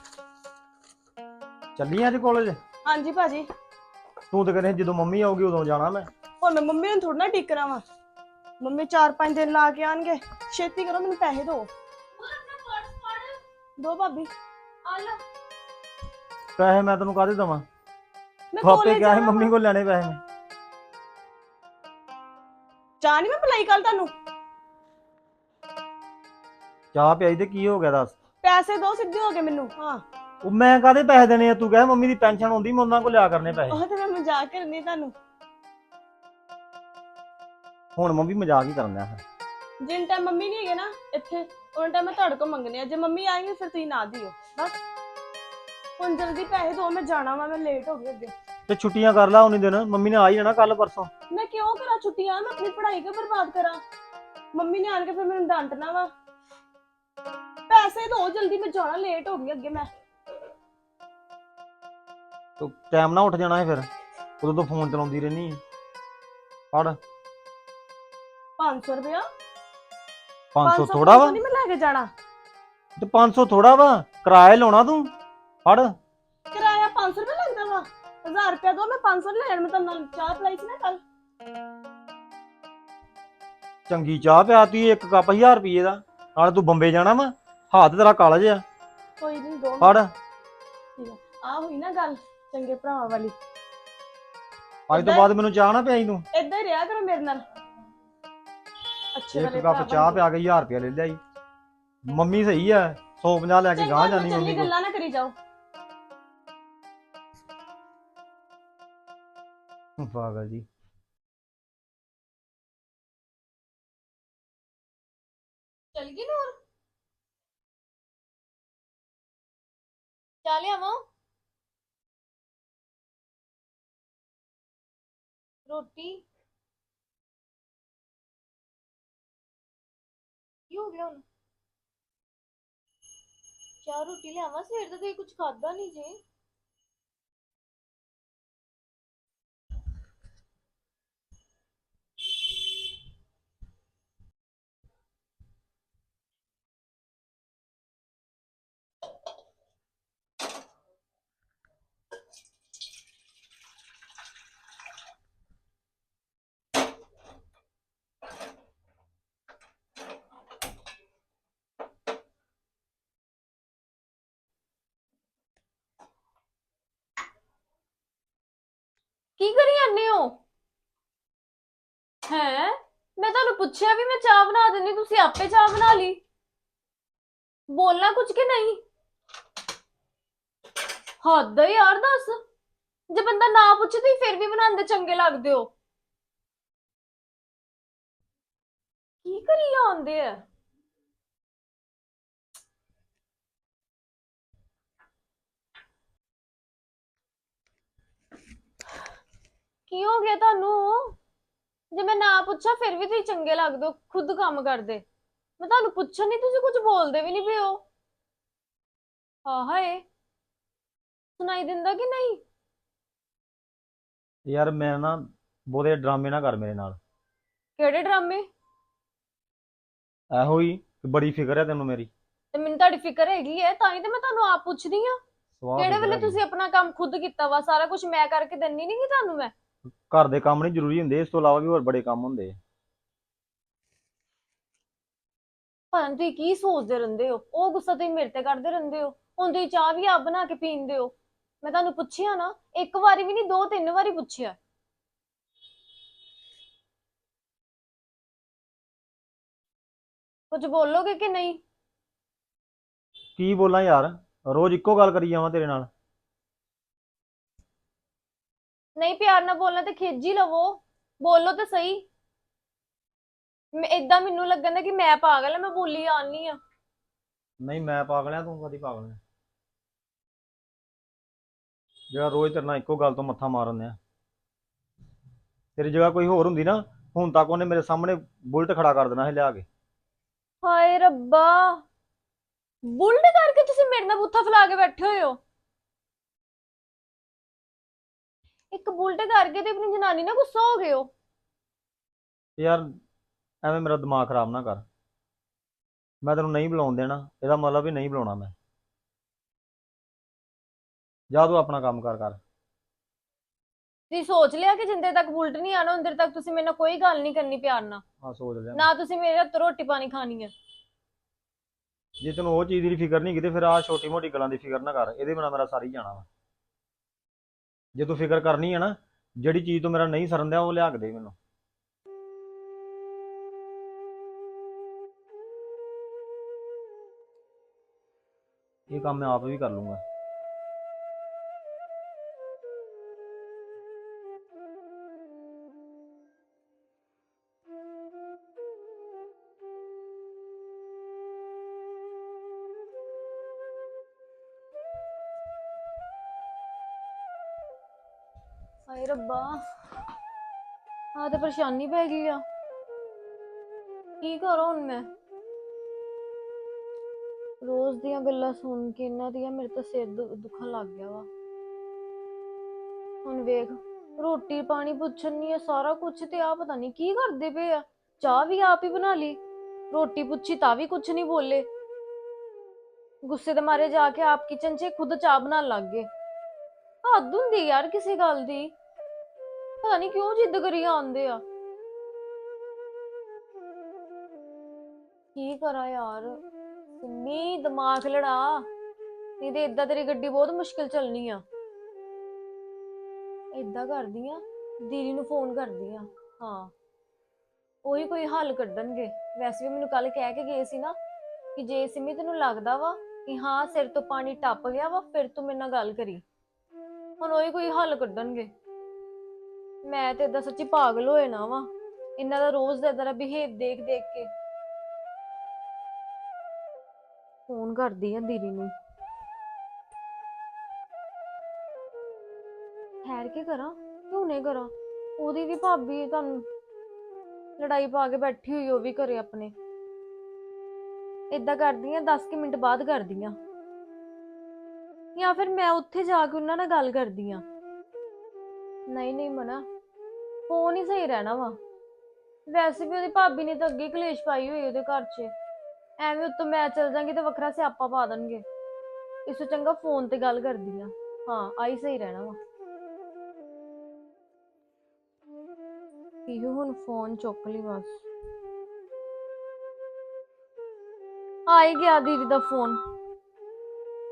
F: ਚੱਲੀ ਅੱਜ ਕਾਲਜ?
D: ਹਾਂਜੀ ਭਾਜੀ।
F: ਤੂੰ ਤਾਂ ਕਹਿੰਦੇ ਜਦੋਂ ਮੰਮੀ ਆਊਗੀ ਉਦੋਂ ਜਾਣਾ ਮੈਂ।
D: ਹੁਣ ਮੈਂ ਮੰਮੀ ਨੂੰ ਥੋੜਾ ਨਾ ਟਿਕਣਾ ਵਾ। ਮੰਮੀ 4-5 ਦਿਨ ਲਾ ਕੇ ਆਣਗੇ। ਛੇਤੀ ਕਰੋ, ਮੈਨੂੰ ਪੈਸੇ ਦਿਓ। ਦੋ ਭਾਬੀ।
G: ਆ ਲੈ।
F: ਪੈਸੇ ਮੈਂ ਤੈਨੂੰ ਕਾਹਦੇ ਦੇਵਾਂ?
D: ਮੈਂ
F: ਆਪੇ
D: ਕਾਲਜ
F: ਕਿਹਾ ਸੀ
D: ਜਾਣਾ
F: ਮੰਮੀ
D: ਵਾ।
F: ਕੋਲ ਲੈਣੇ ਪੈਸੇ ਮੈਂ।
D: ਚਾਹ ਨਹੀਂ ਮੈਂ ਪਲਾਈ ਕੱਲ ਤੁਹਾਨੂੰ।
F: ਚਾਹ ਪਿਆਈ ਤੇ ਕੀ ਹੋ ਗਿਆ ਦੱਸ?
D: ਪੈਸੇ ਦੋ, ਸਿੱਧੇ ਹੋ ਗਏ ਮੈਨੂੰ। ਹਾਂ
F: ਉਹ ਮੈਂ ਕਾਹਦੇ ਪੈਸੇ ਦੇਣੇ ਆ? ਤੂੰ ਕਹਿ ਮੰਮੀ ਦੀ ਪੈਨਸ਼ਨ ਆਉਂਦੀ, ਮੈਂ ਉਹਨਾਂ ਕੋਲ ਲਿਆ ਕਰਨੇ ਪੈਸੇ।
D: ਉਹ ਤੇ ਮੈਂ ਮਜ਼ਾਕ ਕਰਨੀ ਤੁਹਾਨੂੰ।
F: ਹੁਣ ਮੰਮੀ ਮਜ਼ਾਕ ਹੀ ਕਰਨਾ ਹੈ।
D: ਜਿੰਨ ਟਾਈਮ ਮੰਮੀ ਨਹੀਂ ਹੈਗੇ ਨਾ ਇੱਥੇ, ਉਹਨਾਂ ਟਾਈਮ ਮੈਂ ਤੁਹਾਡੇ ਕੋਲ ਮੰਗਣੇ ਆ। ਜੇ ਮੰਮੀ ਆਏਂਗੇ ਫਿਰ ਤੁਸੀਂ ਨਾ ਦਿਓ ਬਸ। ਹੁਣ ਜਲਦੀ ਪੈਸੇ ਦਿਓ, ਮੈਂ ਜਾਣਾ ਵਾ, ਮੈਂ ਲੇਟ ਹੋ ਗਈ ਅੱਗੇ।
F: ਤੇ ਛੁੱਟੀਆਂ ਕਰ ਲਾ ਉਨੀ ਦਿਨ, ਮੰਮੀ ਨੇ ਆ ਹੀ ਜਾਣਾ ਕੱਲ ਪਰਸੋਂ।
D: ਮੈਂ ਕਿਉਂ ਕਰਾਂ ਛੁੱਟੀਆਂ? ਮੈਂ ਆਪਣੀ ਪੜ੍ਹਾਈ ਕਿਉਂ ਬਰਬਾਦ ਕਰਾਂ? ਮੰਮੀ ਨੇ ਆਣ ਕੇ ਫਿਰ ਮੈਨੂੰ ਡਾਂਟਣਾ ਵਾ। ਪੈਸੇ ਦਿਓ ਜਲਦੀ, ਮੈਂ ਜਾਣਾ, ਲੇਟ ਹੋ ਗਈ ਅੱਗੇ ਮੈਂ।
F: ਤੂੰ ਟਾਈਮ ਨਾਲ ਉੱਠ ਜਾਣਾ ਹੈ ਫਿਰ, ਉਦੋਂ ਤੋਂ ਫੋਨ ਚਲਾਉਂਦੀ ਰਹਿਨੀ ਹੈ। ਫੜ
D: 500 ਰੁਪਇਆ।
F: 500 ਥੋੜਾ ਵਾ?
D: ਨਹੀਂ ਮੈਂ ਲੈ ਕੇ ਜਾਣਾ।
F: ਤੇ 500 ਥੋੜਾ ਵਾ? ਕਿਰਾਇਆ ਲਾਉਣਾ ਤੂੰ। ਫੜ।
D: ਕਿਰਾਇਆ 500 ਰੁਪਇਆ ਲੈਂਦਾ ਵਾ? 1000 ਰੁਪਇਆ ਦੋ, ਮੈਂ 500 ਲੈ ਲੈਣ। ਮੈਂ ਤਾਂ ਨਾਲ ਚਾਹ ਪਲਾਈ ਸੀ ਨਾ ਕੱਲ।
F: ਚੰਗੀ ਚਾਹ ਪਿਆਤੀ ਇੱਕ ਕੱਪ 1000 ਰੁਪਏ ਦਾ। ਨਾਲ ਤੂੰ ਬੰਬੇ ਜਾਣਾ ਵਾ, ਹੱਥ ਤੇਰਾ ਕਾਲਜ ਆ।
D: ਕੋਈ ਨਹੀਂ ਦੋ।
F: ਫੜ।
D: ਠੀਕ ਆ, ਆ ਹੋਈ ਨਾ ਗੱਲ ਚੰਗੇ ਭਰਾਵਾਂ ਵਾਲੀ।
F: ਅੱਜ ਤੋਂ ਬਾਅਦ ਮੈਨੂੰ ਚਾਹ ਨਾ ਪਿਆਈ ਤੂੰ।
D: ਏਦਾਂ ਹੀ ਰਿਹਾ ਕਰੋ ਮੇਰੇ ਨਾਲ। ਅੱਛੇ
F: ਇੱਕ
D: ਵਾਲੇ
F: ਕੱਪ
D: ਭਰਾ
F: ਚਾਹ
D: ਬਣ
F: ਪਿਆ ਕੇ 1000 ਰੁਪਏ ਲੈ ਲਿਆ ਜੀ। ਮੰਮੀ ਸਹੀ ਆ, 150 ਲੈ ਕੇ
D: ਚੰਗਾ,
F: ਗਾਂ
D: ਮੈਂ
F: ਜਾਨੀ
D: ਚੱਲੀ,
F: ਮੰਮੀ ਕੋਲ।
D: ਗੱਲਾਂ ਨਾ ਕਰੀ ਜਾਓ।
F: ਪਾਗਲ ਜੀ।
G: ਚਲ ਗਈ ਨੂਰ। ਚਾਹ ਲਿਆਵਾਂ? ਰੋਟੀ ਕੀ ਹੋ ਗਿਆ ਹੁਣ? ਚਾਹ ਰੋਟੀ ਲਿਆਵਾਂ? ਸਵੇਰ ਦਾ ਤੁਸੀਂ ਕੁਝ ਖਾਦਾ ਨਹੀਂ ਜੇ। ਕਰਨੇ ਹੋ? ਹੈ, ਮੈਂ ਤੁਹਾਨੂੰ ਪੁੱਛਿਆ ਵੀ ਮੈਂ ਚਾਹ ਬਣਾ ਦਿੰਦੀ, ਤੁਸੀਂ ਆਪੇ ਚਾਹ ਬਣਾ ਲਈ। ਬੋਲਣਾ ਕੁਝ ਕਿ ਨਹੀਂ? ਹੱਦ ਹੈ ਯਾਰ, ਦੱਸ। ਜੇ ਬੰਦਾ ਨਾ ਪੁੱਛੇ ਤੁਸੀਂ ਫਿਰ ਵੀ ਬਣਾਉਂਦੇ ਚੰਗੇ ਲੱਗਦੇ ਹੋ। ਕੀ ਕਰੀ ਆਉਂਦੇ ਆ? ਕੀ ਹੋ ਗਿਆ ਤੁਹਾਨੂੰ? ਜੇ ਮੈਂ ਨਾ ਪੁੱਛਾਂ ਫਿਰ ਵੀ ਤੁਸੀਂ ਚੰਗੇ ਲੱਗਦੇ ਹੋ, ਖੁਦ ਕੰਮ ਕਰਦੇ। ਮੈਂ ਤੁਹਾਨੂੰ ਪੁੱਛਣ ਨਹੀਂ, ਤੁਸੀਂ ਕੁਝ ਬੋਲਦੇ ਵੀ ਨਹੀਂ ਪਏ ਹੋ। ਹਾਂ ਹਾਏ, ਸੁਣਾਈ ਦਿੰਦਾ ਕਿ ਨਹੀਂ?
F: ਯਾਰ ਮੈਂ ਨਾ ਬਹੁਤੇ ਡਰਾਮੇ ਨਾ ਕਰ ਮੇਰੇ ਨਾਲ।
G: ਕਿਹੜੇ ਡਰਾਮੇ?
F: ਇਹੋ ਹੀ ਕਿ ਬੜੀ ਫਿਕਰ ਹੈ ਤੈਨੂੰ ਮੇਰੀ।
G: ਤੇ ਮੈਨੂੰ ਤੁਹਾਡੀ ਫਿਕਰ ਹੈਗੀ ਹੈ, ਤਾਂ ਹੀ ਤੇ ਮੈਂ ਤੁਹਾਨੂੰ ਆਪ ਪੁੱਛਦੀ ਆ।
F: ਸਵਾਹ
G: ਕਿਹੜੇ
F: ਫਿਕਰ
G: ਵੇਲੇ
F: ਹੈਗੀ।
G: ਤੁਸੀਂ ਆਪਣਾ ਕੰਮ ਖੁਦ ਕੀਤਾ ਵਾ? ਸਾਰਾ ਕੁਝ ਮੈਂ ਕਰਕੇ ਦਿੰਨੀ ਨਹੀਂ ਕਿ ਤੁਹਾਨੂੰ ਮੈਂ?
F: ਘਰ ਦੇ ਕੰਮ ਨਹੀਂ ਜ਼ਰੂਰੀ ਹੁੰਦੇ, ਇਸ ਤੋਂ ਇਲਾਵਾ ਵੀ ਹੋਰ ਬੜੇ ਕੰਮ ਹੁੰਦੇ ਆ।
G: ਪਤਾ ਨੀ ਤੁਸੀਂ ਕੀ ਸੋਚਦੇ ਰਹਿੰਦੇ ਹੋ, ਉਹ ਗੁੱਸਾ ਤੁਸੀਂ ਮੇਰੇ ਤੇ ਕਰਦੇ ਰਹਿੰਦੇ ਹੋ। ਹੁਣ ਤੁਸੀਂ ਚਾਹ ਵੀ ਆਪ ਬਣਾ ਕੇ ਪੀਂਦੇ ਹੋ। ਮੈਂ ਤੁਹਾਨੂੰ ਪੁੱਛਿਆ ਨਾ, ਇੱਕ ਵਾਰੀ ਵੀ ਨਹੀਂ, 2-3 ਵਾਰੀ ਪੁੱਛਿਆ। ਕੁਝ ਬੋਲੋਗੇ ਕਿ ਨਹੀਂ?
F: ਕੀ ਬੋਲਾਂ ਯਾਰ, ਰੋਜ਼ ਇੱਕੋ ਗੱਲ ਕਰੀ ਜਾਵਾਂ ਤੇਰੇ ਨਾਲ।
G: ਨਹੀਂ ਪਿਆਰ ਨਾਲ ਬੋਲਣਾ ਤੇ ਖਿੱਚ ਹੀ ਲਵੋ, ਬੋਲੋ ਤੇ ਸਹੀ। ਮੈਂ ਇਦਾਂ ਮੈਨੂੰ ਲੱਗਣ ਦਾ ਕਿ ਮੈਂ ਪਾਗਲ ਆ, ਮੈਂ ਬੋਲੀ ਆਨੀ ਆ।
F: ਨਹੀਂ ਮੈਂ ਪਾਗਲ ਆ, ਤੂੰ ਕਦੀ ਪਾਗਲ ਆ ਜਿਹੜਾ ਰੋਜ਼ ਤੇਰੇ ਨਾਲ ਇੱਕੋ ਗੱਲ ਤੋਂ ਮੱਥਾ ਮਾਰਨ ਆ। ਤੇਰੀ ਜਗ੍ਹਾ ਕੋਈ ਹੋਰ ਹੁੰਦੀ ਨਾ, ਹੁਣ ਤੱਕ ਉਹਨੇ ਮੇਰੇ ਸਾਹਮਣੇ ਬੁਲਟ ਖੜਾ ਕਰ ਦੇਣਾ ਸੀ ਲਿਆ ਕੇ।
G: ਹਾਏ ਰੱਬਾ, ਬੁਲਟ ਕਰਕੇ ਤੁਸੀਂ ਮੇਰੇ ਨਾਲ ਬੁੱਥਾ ਫੈਲਾ ਕੇ ਬੈਠੇ ਹੋਏ ਹੋ। ਇੱਕ ਬੁਲਟ ਕਰਕੇ ਤੇ ਆਪਣੀ ਜਨਾਨੀ ਨਾਲ ਗੁੱਸਾ ਹੋ ਗਏ ਹੋ।
F: ਯਾਰ ਐਵੇਂ ਮੇਰਾ ਦਿਮਾਗ ਖਰਾਬ ਨਾ ਕਰ। ਮੈਂ ਤੈਨੂੰ ਨਹੀਂ ਬੁਲਾਉਣ ਦੇਣਾ, ਇਹਦਾ ਮਤਲਬ ਵੀ ਨਹੀਂ ਬੁਲਾਉਣਾ ਮੈਂ। ਜਾ ਤੂੰ ਆਪਣਾ ਕੰਮ ਕਰ।
G: ਤੁਸੀਂ ਸੋਚ ਲਿਆ ਕਿ ਜਿੰਦੇ ਤੱਕ ਬੁਲਟ ਨਹੀਂ ਆਣਾ ਉੰਦੇ ਤੱਕ ਤੁਸੀਂ ਮੇਰੇ ਨਾਲ ਕੋਈ ਗੱਲ ਨਹੀਂ ਕਰਨੀ ਪਿਆਰ ਨਾਲ।
F: ਹਾਂ ਸੋਚ ਲਿਆ।
G: ਨਾ ਤੁਸੀਂ ਮੇਰੇ ਹੱਥੋਂ ਰੋਟੀ ਪਾਣੀ ਖਾਣੀ ਹੈ।
F: ਜੇ ਤੈਨੂੰ ਉਹ ਚੀਜ਼ ਦੀ ਫਿਕਰ ਨਹੀਂ ਕਿਤੇ, ਫਿਰ ਆਹ ਛੋਟੀ ਮੋਟੀ ਗੱਲਾਂ ਦੀ ਫਿਕਰ ਨਾ ਕਰ, ਇਹਦੇ ਬਿਨਾਂ ਮੇਰਾ ਸਾਰੀ ਜਾਣਾ ਵਾ। ਜੇ ਤੂੰ ਫਿਕਰ ਕਰਨੀ ਹੈ ਨਾ, ਜਿਹੜੀ ਚੀਜ਼ ਤੋਂ ਮੇਰਾ ਨਹੀਂ ਸਰਨ ਦਿਆ ਉਹ ਲਿਆ ਕੇ ਦੇ ਮੈਨੂੰ। ਇਹ ਕੰਮ ਮੈਂ ਆਪ ਵੀ ਕਰ ਲੂੰਗਾ।
G: ਹਾਏ ਰੱਬਾ, ਆਹ ਤੇ ਪਰੇਸ਼ਾਨੀ ਪੈ ਗਈ ਆ। ਕੀ ਕਰਾਂ ਹੁਣ ਮੈਂ? ਰੋਜ਼ ਦੀਆਂ ਗੱਲਾਂ ਸੁਣ ਕੇ ਇਹਨਾਂ ਦੀਆਂ ਮੇਰੇ ਤਾਂ ਸਿਰ ਦੁਖਣ ਲੱਗ ਗਿਆ ਵਾ। ਹੁਣ ਵੇਖ, ਰੋਟੀ ਪਾਣੀ ਪੁੱਛਣੀ ਆ, ਸਾਰਾ ਕੁਝ ਤੇ ਆ ਪਤਾ ਨਹੀਂ ਕੀ ਕਰਦੇ ਪਏ ਆ। ਚਾਹ ਵੀ ਆਪ ਹੀ ਬਣਾ ਲਈ, ਰੋਟੀ ਪੁੱਛੀ ਤਾਂ ਵੀ ਕੁਝ ਨਹੀਂ ਬੋਲੇ। ਗੁੱਸੇ ਦੇ ਮਾਰੇ ਜਾ ਕੇ ਆਪ ਕਿਚਨ 'ਚ ਖੁਦ ਚਾਹ ਬਣਾਉਣ ਲੱਗ ਗਏ। ਹੱਦ ਹੁੰਦੀ ਯਾਰ ਕਿਸੇ ਗੱਲ ਦੀ, ਪਤਾ ਨਹੀਂ ਕਿਉਂ ਜਿੱਦ ਕਰੀ ਆਉਂਦੇ ਆ। ਕੀ ਕਰਾਂ ਯਾਰ, ਸਿੰਮੀ ਦਿਮਾਗ ਲੜਾ, ਨਹੀਂ ਤੇ ਏਦਾਂ ਤੇਰੀ ਗੱਡੀ ਬਹੁਤ ਮੁਸ਼ਕਿਲ ਚੱਲਣੀ ਆ। ਏਦਾਂ ਕਰਦੀ ਆ, ਦੀਦੀ ਨੂੰ ਫੋਨ ਕਰਦੀ ਆ। ਹਾਂ, ਉਹੀ ਕੋਈ ਹੱਲ ਕੱਢਣਗੇ। ਵੈਸੇ ਵੀ ਮੈਨੂੰ ਕੱਲ ਕਹਿ ਕੇ ਗਏ ਸੀ ਨਾ ਕਿ ਜੇ ਸਿੰਮੀ ਤੈਨੂੰ ਲੱਗਦਾ ਵਾ ਕਿ ਹਾਂ ਸਿਰ ਤੋਂ ਪਾਣੀ ਟੱਪ ਗਿਆ ਵਾ, ਫਿਰ ਤੂੰ ਮੇਰੇ ਨਾਲ ਗੱਲ ਕਰੀ। ਹੁਣ ਉਹੀ ਕੋਈ ਹੱਲ ਕੱਢਣਗੇ। ਮੈਂ ਤੇ ਏਦਾਂ ਸੱਚੀ ਪਾਗਲ ਹੋਏ ਨਾ ਵਾ ਇਹਨਾਂ ਦਾ ਰੋਜ਼ ਦਾ ਏਦਾਂ ਦਾ ਬਿਹੇਵ ਦੇਖ ਦੇਖ ਕੇ। ਫੋਨ ਕਰਦੀ ਆ ਦੀਦੀ ਨੂੰ। ਠਹਿਰ ਕੇ ਕਰਾਂ ਕਿ ਹੁਣੇ ਕਰਾਂ? ਉਹਦੀ ਵੀ ਭਾਬੀ ਤੁਹਾਨੂੰ ਲੜਾਈ ਪਾ ਕੇ ਬੈਠੀ ਹੋਈ, ਉਹ ਵੀ ਘਰੇ ਆਪਣੇ। ਏਦਾਂ ਕਰਦੀ ਆ 10 ਮਿੰਟ ਬਾਅਦ ਕਰਦੀ ਆ, ਜਾਂ ਫਿਰ ਮੈਂ ਉੱਥੇ ਜਾ ਕੇ ਉਹਨਾਂ ਨਾਲ ਗੱਲ ਕਰਦੀ ਆ। ਨਹੀਂ ਮਨਾ, ਫੋਨ ਹੀ ਸਹੀ ਰਹਿਣਾ ਵਾ। ਵੈਸੇ ਵੀ ਉਹਦੀ ਭਾਬੀ ਨੇ ਤਾਂ ਅੱਗੇ ਕਲੇਸ਼ ਪਾਈ ਹੋਈ ਉਹਦੇ ਘਰ 'ਚ। ਐਵੇਂ ਉੱਤੋਂ ਮੈਂ ਚਲ ਜਾਂਗੀ ਤੇ ਵੱਖਰਾ ਸਿਆਪਾ ਪਾ ਦੇਣਗੇ। ਇਸ ਤੋਂ ਚੰਗਾ ਫੋਨ ਤੇ ਗੱਲ ਕਰਦੀ ਆ। ਹਾਂ, ਆਈ ਸਹੀ ਰਹਿਣਾ ਵਾ। ਇਹੋ ਹੁਣ ਫੋਨ ਚੁੱਕ ਲਈ ਬਸ। ਆ ਹੀ ਗਿਆ ਦੀਦੀ ਦਾ ਫੋਨ।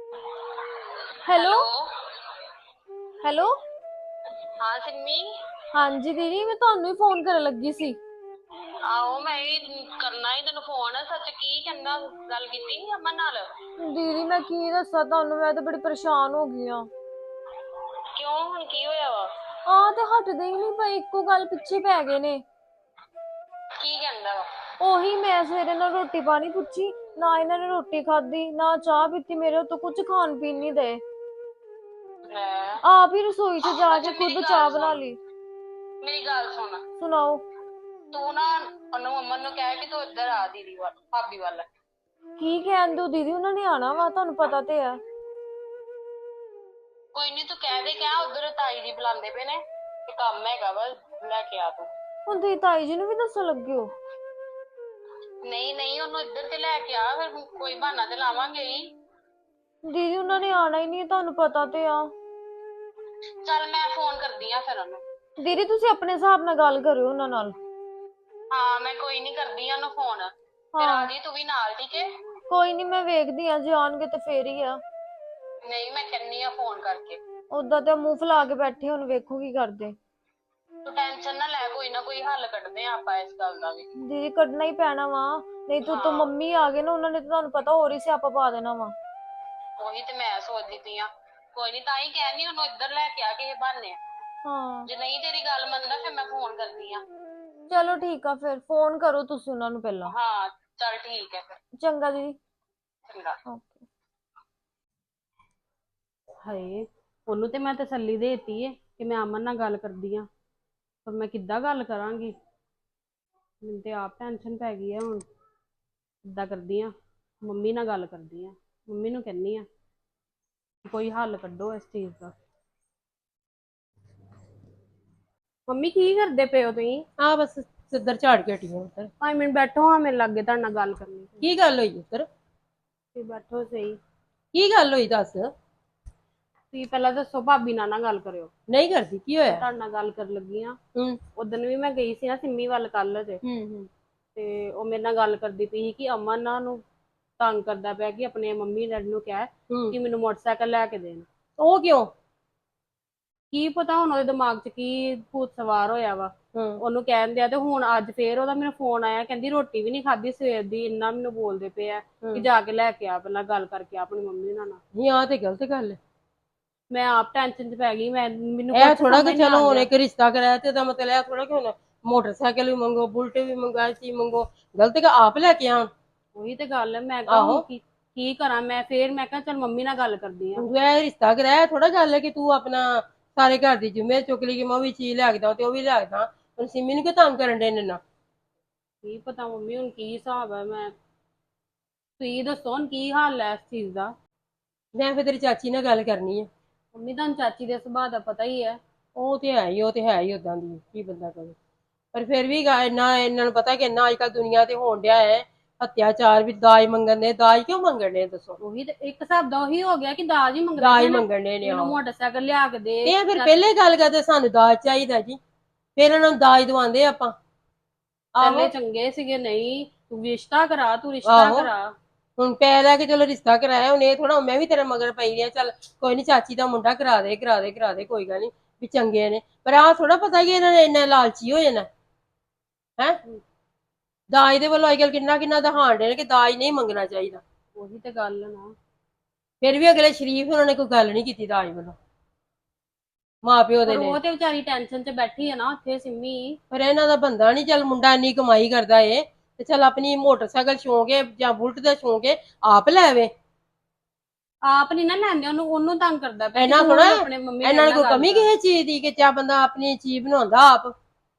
G: Hello hello.
E: ਹਾਂ ਸਿੰਮੀ।
G: ਹਾਂਜੀ ਦੀਦੀ, ਮੈਂ ਤੁਹਾਨੂੰ ਹੀ ਫੋਨ ਕਰਨ ਲੱਗੀ ਸੀ।
B: ਆਹੋ ਮੈਂ ਵੀ ਕਰਨਾ ਹੀ ਤੈਨੂੰ ਫੋਨ। ਸੱਚ ਕੀ ਕਹਿੰਦਾ, ਗੱਲ ਕੀਤੀ ਸੀ ਅਮਨ ਨਾਲ?
G: ਦੀਦੀ ਮੈਂ ਕੀ ਦੱਸਾਂ ਤੁਹਾਨੂੰ, ਮੈਂ ਤਾਂ ਬੜੀ ਪਰੇਸ਼ਾਨ ਹੋ ਗਈ ਆ।
B: ਕਿਉਂ, ਹੁਣ ਕੀ ਹੋਇਆ ਵਾ?
G: ਤੇ ਹਟਦੇ ਹੀ ਨਹੀਂ ਪਏ, ਇੱਕੋ ਗੱਲ ਪਿੱਛੇ ਪੈ ਗਏ ਨੇ।
B: ਕੀ ਕਹਿੰਦਾ ਵਾ?
G: ਉਹੀ, ਮੈਂ ਸਵੇਰੇ ਨਾਲ ਰੋਟੀ ਪਾਣੀ ਪੁੱਛੀ, ਨਾ ਇਹਨਾਂ ਨੇ ਰੋਟੀ ਖਾਧੀ ਨਾ ਚਾਹ ਪੀਤੀ, ਮੇਰੇ ਤੋਂ ਕੁਝ ਖਾਣ ਪੀਣ ਨਹੀਂ ਦੇ।
B: ਲੈ,
G: ਆਪ ਹੀ ਰਸੋਈ 'ਚ ਜਾ
B: ਅੱਛਾ
G: ਕੇ
B: ਮੇਰੀ
G: ਖੁਦ
B: ਗੱਲ
G: ਚਾਹ ਬਣਾ
B: ਸੁਣ।
G: ਲਈ।
B: ਮੇਰੀ ਗੱਲ ਸੁਣ,
G: ਸੁਣਾਓ।
B: ਤੂੰ ਨਾ ਉਹਨੂੰ ਅਮਨ ਨੂੰ ਕਹਿ ਕਿ ਤੂੰ ਇੱਧਰ ਆ ਦੀਦੀ ਵੱਲ, ਭਾਬੀ ਵੱਲ।
G: ਕੀ ਕਹਿਣ ਦਿਓ ਦੀਦੀ, ਉਹਨਾਂ ਨੇ ਆਣਾ ਵਾ, ਤੁਹਾਨੂੰ ਪਤਾ ਤੇ ਹੈ।
B: ਕੋਈ ਨਹੀਂ, ਤੂੰ ਕਹਿ ਦੇ, ਕਹਿ ਉਧਰ ਤਾਈ ਜੀ ਬੁਲਾਉਂਦੇ ਪਏ ਨੇ ਤੇ ਕੰਮ ਹੈਗਾ ਵਾ, ਲੈ ਕੇ ਆ ਤੂੰ।
G: ਹੁਣ ਤੁਸੀਂ ਤਾਈ ਜੀ ਨੂੰ ਵੀ ਦੱਸਣ ਲੱਗੇ ਹੋ?
B: ਨਹੀਂ ਨਹੀਂ, ਉਹਨੂੰ ਇੱਧਰ ਤੇ ਲੈ ਕੇ ਆ, ਫਿਰ ਕੋਈ ਬਹਾਨਾ ਤੇ ਲਾਵਾਂਗੇ ਹੀ।
G: ਦੀਦੀ ਉਹਨਾਂ ਨੇ ਆਣਾ ਹੀ ਨਹੀਂ, ਤੁਹਾਨੂੰ ਪਤਾ ਤੇ ਆ।
B: ਚੱਲ ਮੈਂ ਫੋਨ ਕਰਦੀ ਆ ਫਿਰ ਉਹਨੂੰ।
G: ਦੀਦੀ ਤੁਸੀਂ ਆਪਣੇ ਹਿਸਾਬ ਨਾਲ ਗੱਲ ਕਰਿਓ ਉਹਨਾਂ ਨਾਲ।
B: ਹਾਂ ਮੈਂ ਕੋਈ ਨਹੀਂ ਕਰਦੀ ਆ ਉਹਨੂੰ ਫੋਨ। ਫਿਰ ਆ ਜੀ ਤੂੰ ਵੀ ਨਾਲ, ਠੀਕ ਹੈ?
G: ਕੋਈ ਨਹੀਂ, ਮੈਂ ਵੇਖਦੀ ਆ, ਜੇ ਆਉਣਗੇ ਤੇ ਫੇਰ ਹੀ ਆ।
B: ਨਹੀਂ ਮੈਂ ਕਹਿੰਨੀ ਆ ਫੋਨ ਕਰਕੇ।
G: ਉਦਾਂ ਤੇ ਮੂੰਹ ਫੁਲਾ ਕੇ ਬੈਠੇ, ਹੁਣ ਵੇਖੋ ਕੀ ਕਰਦੇ।
B: ਤੂੰ ਟੈਨਸ਼ਨ ਨਾ ਲੈ, ਕੋਈ ਨਾ ਕੋਈ ਹੱਲ ਕੱਢਦੇ ਆ ਆਪਾਂ ਇਸ ਗੱਲ ਦਾ ਵੀ।
G: ਦੀਦੀ ਕੱਢਣਾ ਹੀ ਪੈਣਾ ਵਾ, ਨਹੀਂ ਤਾਂ ਮੰਮੀ ਆ ਗਏ ਨਾ, ਉਹਨਾਂ ਨੇ ਤਾਂ ਤੁਹਾਨੂੰ ਪਤਾ ਹੋਰ ਹੀ ਸਿਆਪਾ ਪਾ ਦੇਣਾ ਵਾ।
B: ਉਹੀ ਤੇ ਮੈਂ ਸੋਚਦੀ ਪਈ ਆ। ਕੋਈ ਨਹੀਂ, ਤਾਂ ਹੀ ਕਹਿੰਦੀ ਉਹਨੂੰ ਇੱਧਰ ਲੈ ਕੇ ਆ ਕਿਸੇ ਬਹਾਨੇ।
G: ਹਾਂ
B: ਜੇ ਨਹੀਂ ਤੇਰੀ ਗੱਲ ਮੰਨਦਾ ਫਿਰ ਮੈਂ ਫੋਨ ਕਰਦੀ ਆ।
G: ਚਲੋ ਠੀਕ ਆ, ਫਿਰ ਫੋਨ ਕਰੋ ਤੁਸੀਂ ਉਹਨਾਂ ਨੂੰ ਪਹਿਲਾਂ।
B: ਹਾਂ ਚੱਲ ਠੀਕ ਹੈ ਫਿਰ।
G: ਚੰਗਾ ਦੀਦੀ।
B: ਚੰਗਾ।
G: ਓਕੇ।
B: ਹਾਏ, ਉਹਨੂੰ ਤੇ ਮੈਂ ਤਸੱਲੀ ਦੇਤੀ ਏ ਕਿ ਮੈਂ ਅਮਨ ਨਾਲ ਗੱਲ ਕਰਦੀ ਆ, ਪਰ ਮੈਂ ਕਿੱਦਾਂ ਗੱਲ ਕਰਾਂਗੀ? ਮੈਨੂੰ ਤੇ ਆਪ ਟੈਨਸ਼ਨ ਪੈ ਗਈ ਆ ਹੁਣ। ਕਿੱਦਾਂ ਕਰਦੀ ਆ, ਮੰਮੀ ਨਾਲ ਗੱਲ ਕਰਦੀ ਆ, ਮੰਮੀ ਨੂੰ ਕਹਿੰਨੀ ਆ ਕੋਈ ਹੱਲ ਕੱਢੋ ਇਸ ਚੀਜ਼ ਦਾ। ਮੰਮੀ ਕੀ ਕਰਦੇ ਪਏ ਹੋ ਤੁਸੀਂ?
C: ਆ ਬਸ ਸਿੱਧਰ ਝਾੜ ਕੇ ਹਟੀ ਆ ਉੱਧਰ।
B: 5 ਮਿੰਟ ਬੈਠੋ ਹਾਂ, ਮੇਰੇ ਲਾਗੇ ਤੁਹਾਡੇ ਨਾਲ ਗੱਲ ਕਰਨੀ।
C: ਕੀ ਗੱਲ ਹੋਈ ਉੱਧਰ?
B: ਤੁਸੀਂ ਬੈਠੋ ਸਹੀ।
C: ਕੀ ਗੱਲ ਹੋਈ ਦੱਸ।
B: ਤੁਸੀਂ ਪਹਿਲਾਂ ਦੱਸੋ, ਭਾਬੀ ਨਾਲ ਨਾ ਗੱਲ ਕਰਿਓ।
C: ਨਹੀਂ ਕਰਦੀ, ਕੀ ਹੋਇਆ?
B: ਤੁਹਾਡੇ ਨਾਲ ਗੱਲ ਕਰਨ ਲੱਗੀ ਆ।
C: ਹੂੰ
B: ਉਦੋਂ ਵੀ ਮੈਂ ਗਈ ਸੀ ਨਾ ਸਿੰਮੀ ਵੱਲ ਕੱਲ ਜੇ,
C: ਹੂੰ
B: ਤੇ ਉਹ ਮੇਰੇ ਨਾਲ ਗੱਲ ਕਰਦੀ ਪਈ ਸੀ ਕਿ ਅਮਨ ਨਾ ਨੂੰ ਤੰਗ ਕਰਦਾ ਪਿਆ ਕਿ ਆਪਣੇ ਮੰਮੀ ਡੈਡੀ ਨੂੰ ਕਹਿ ਕਿ ਮੈਨੂੰ ਮੋਟਰਸਾਈਕਲ ਲੈ ਕੇ ਦੇਣ।
C: ਉਹ ਕਿਉਂ?
B: ਕੀ ਪਤਾ ਹੁਣ ਉਹਦੇ ਦਿਮਾਗ 'ਚ ਕੀ ਭੂਤ ਸਵਾਰ ਹੋਇਆ ਵਾ। ਉਹਨੂੰ ਕਹਿਣ ਦਿਆ, ਤੇ ਹੁਣ ਅੱਜ ਫੇਰ ਉਹਦਾ ਮੈਨੂੰ ਫੋਨ ਆਇਆ, ਕਹਿੰਦੀ ਰੋਟੀ ਵੀ ਨਹੀਂ ਖਾਧੀ ਸਵੇਰ ਦੀ, ਇੰਨਾ ਮੈਨੂੰ ਬੋਲਦੇ ਪਏ ਆ ਕਿ ਜਾ ਕੇ ਲੈ ਕੇ ਆ, ਪਹਿਲਾਂ ਗੱਲ ਕਰਕੇ ਆ ਆਪਣੀ ਮੰਮੀ ਨਾਲ।
C: ਨਹੀਂ ਆ ਤੇ ਗਲਤ ਗੱਲ ਹੈ।
B: ਮੈਂ ਆਪ ਟੈਨਸ਼ਨ 'ਚ ਪੈ ਗਈ। ਮੈਨੂੰ
C: ਇਹ ਥੋੜਾ ਕਿ ਚਲੋ ਹੁਣ ਇੱਕ ਰਿਸ਼ਤਾ ਕਰਾਇਆ ਤੇ ਇਹਦਾ ਮਤਲਬ ਇਹ ਥੋੜਾ ਕਿ ਹੁਣ ਮੋਟਰਸਾਈਕਲ ਵੀ ਮੰਗੋ, ਬੁਲਟ ਵੀ ਮੰਗੋ, ਚੀਜ਼ ਮੰਗੋ। ਗਲਤ ਕਿ ਆਪ ਲੈ ਕੇ ਆਉਣ।
B: ਉਹੀ ਤੇ ਗੱਲ ਹੈ। ਮੈਂ ਕਿਹਾ ਕੀ ਕਰਾਂ ਮੈਂ? ਫੇਰ ਮੈਂ ਕਿਹਾ ਚੱਲ ਮੰਮੀ ਨਾਲ ਗੱਲ ਕਰਦੀ ਆ।
C: ਤੂੰ ਇਹ ਰਿਸ਼ਤਾ ਕਰਾਇਆ ਥੋੜਾ ਗੱਲ ਹੈ ਕਿ ਤੂੰ ਆਪਣਾ ਸਾਰੇ ਘਰ ਦੀ ਜ਼ਿੰਮੇਵਾਰੀ ਚੁੱਕ ਲਈ ਕਿ ਮੈਂ ਉਹ ਵੀ ਚੀਜ਼ ਲੈ ਕੇ ਦਵਾਂ ਤੇ ਉਹ ਵੀ ਲੈ ਕੇ ਦਵਾਂ। ਹੁਣ ਸਿੰਮੀ ਨੂੰ ਕਿਉਂ ਤੰਗ ਕਰਨ ਦੇ ਨੇ ਨਾ?
B: ਕੀ ਪਤਾ ਮੰਮੀ ਹੁਣ ਕੀ ਹਿਸਾਬ ਹੈ। ਤੁਸੀਂ ਦੱਸੋ ਹੁਣ ਕੀ ਹਾਲ ਹੈ ਇਸ ਚੀਜ਼ ਦਾ?
C: ਮੈਂ ਫਿਰ ਤੇਰੀ ਚਾਚੀ ਨਾਲ ਗੱਲ ਕਰਨੀ ਹੈ।
B: ਮੰਮੀ ਤੁਹਾਨੂੰ ਚਾਚੀ ਦੇ ਸੁਭਾਅ ਦਾ ਪਤਾ ਹੀ ਹੈ।
C: ਉਹ ਤੇ ਹੈ ਹੀ ਉਦਾਂ ਦੀ ਕੀ ਬੰਦਾ ਕਰੇ। ਪਰ ਫਿਰ ਵੀ ਇੰਨਾ ਇਹਨਾਂ ਨੂੰ ਪਤਾ ਕਿ ਇੰਨਾ ਅੱਜ ਕੱਲ ਦੁਨੀਆ ਤੇ ਹੋਣ ਡਿਆ ਹੈ ਅਤਿਆਚਾਰ ਵੀ। ਦਾਜ ਮੰਗਣ ਦੇ, ਦਾਜ ਕਿਉਂ ਮੰਗਣ ਦੇ ਦੱਸੋ?
B: ਉਹੀ ਤੇ ਇੱਕ ਹਿਸਾਬ ਦਾ ਉਹੀ ਹੋ ਗਿਆ ਕਿ ਦਾਜ ਹੀ ਮੰਗਦੇ
C: ਦਾਜ
B: ਨੇ।
C: ਮੰਗਣ ਦੇ ਨੇ।
B: ਮੈਨੂੰ ਮੋਟਰਸਾਈਕਲ ਲਿਆ ਕੇ ਦੇ।
C: ਇਹ ਫਿਰ ਪਹਿਲੇ ਗੱਲ ਕਰਦੇ ਸਾਨੂੰ ਦਾਜ ਚਾਹੀਦਾ ਜੀ, ਫਿਰ ਇਹਨਾਂ ਨੂੰ ਦਾਜ ਦਵਾਉਂਦੇ ਆਪਾਂ।
B: ਪਹਿਲੇ ਚੰਗੇ ਸੀਗੇ। ਨਹੀਂ ਤੂੰ ਰਿਸ਼ਤਾ ਕਰਾ, ਤੂੰ ਰਿਸ਼ਤਾ ਕਰਾ।
C: ਹੁਣ ਪੈ ਲੈ ਕੇ ਚਲੋ ਰਿਸ਼ਤਾ ਕਰਾਇਆ, ਹੁਣ ਇਹ ਥੋੜਾ ਮੈਂ ਵੀ ਤੇਰੇ ਮਗਰ ਪਈ ਆ ਚੱਲ ਕੋਈ ਨੀ ਚਾਚੀ ਦਾ ਮੁੰਡਾ ਕਰਾ ਦੇ ਕੋਈ ਗੱਲ ਨੀ ਵੀ ਚੰਗੇ ਨੇ। ਪਰ ਆਹ ਥੋੜਾ ਪਤਾ ਕਿ ਇਹਨਾਂ ਨੇ ਇੰਨਾ ਲਾਲਚੀ ਹੋ ਜਾਣਾ ਹੈ। ਦਾਜ ਦੇ ਵੱਲੋਂ ਅੱਜ ਕੱਲ ਕਿੰਨਾ ਦਿਖਾਣ ਦੇ ਨੇ ਕਿ ਦਾਜ ਨਹੀਂ ਮੰਗਣਾ ਚਾਹੀਦਾ।
B: ਉਹੀ ਤੇ ਗੱਲ ਨਾ।
C: ਫਿਰ ਵੀ ਅਗਲੇ ਸ਼ਰੀਫ ਉਹਨਾਂ ਨੇ ਕੋਈ ਗੱਲ ਨਹੀਂ ਕੀਤੀ ਦਾਜ ਵੱਲੋਂ, ਮਾਂ ਪਿਓ ਦੇ ਨੇ।
B: ਉਹ ਤੇ ਵਿਚਾਰੀ ਟੈਨਸ਼ਨ 'ਚ ਬੈਠੀ ਹੈ ਨਾ ਉੱਥੇ ਸਿੰਮੀ।
C: ਪਰ ਇਹਨਾਂ ਦਾ ਬੰਦਾ ਨਹੀਂ, ਚੱਲ ਮੁੰਡਾ ਇੰਨੀ ਕਮਾਈ ਕਰਦਾ ਏ ਤੇ ਚੱਲ ਆਪਣੀ ਮੋਟਰਸਾਈਕਲ ਸ਼ੌਂਕ ਹੈ ਜਾਂ ਬੁਲਟ ਦਾ ਸ਼ੌਂਕ ਹੈ ਆਪ ਲੈਵੇ।
B: ਆਪ ਨਹੀਂ ਨਾ ਲੈਂਦੇ, ਉਹਨੂੰ ਤੰਗ ਕਰਦਾ ਪਿਆ।
C: ਇਹਨਾਂ ਥੋੜਾ
B: ਆਪਣੇ ਮੰਮੀ
C: ਇਹਨਾਂ ਨੂੰ ਕੋਈ ਕਮੀ ਕਿਸੇ ਚੀਜ਼ ਦੀ ਕਿ ਚਾ ਬੰਦਾ ਆਪਣੀ ਚੀਜ਼ ਬਣਾਉਂਦਾ ਆਪ।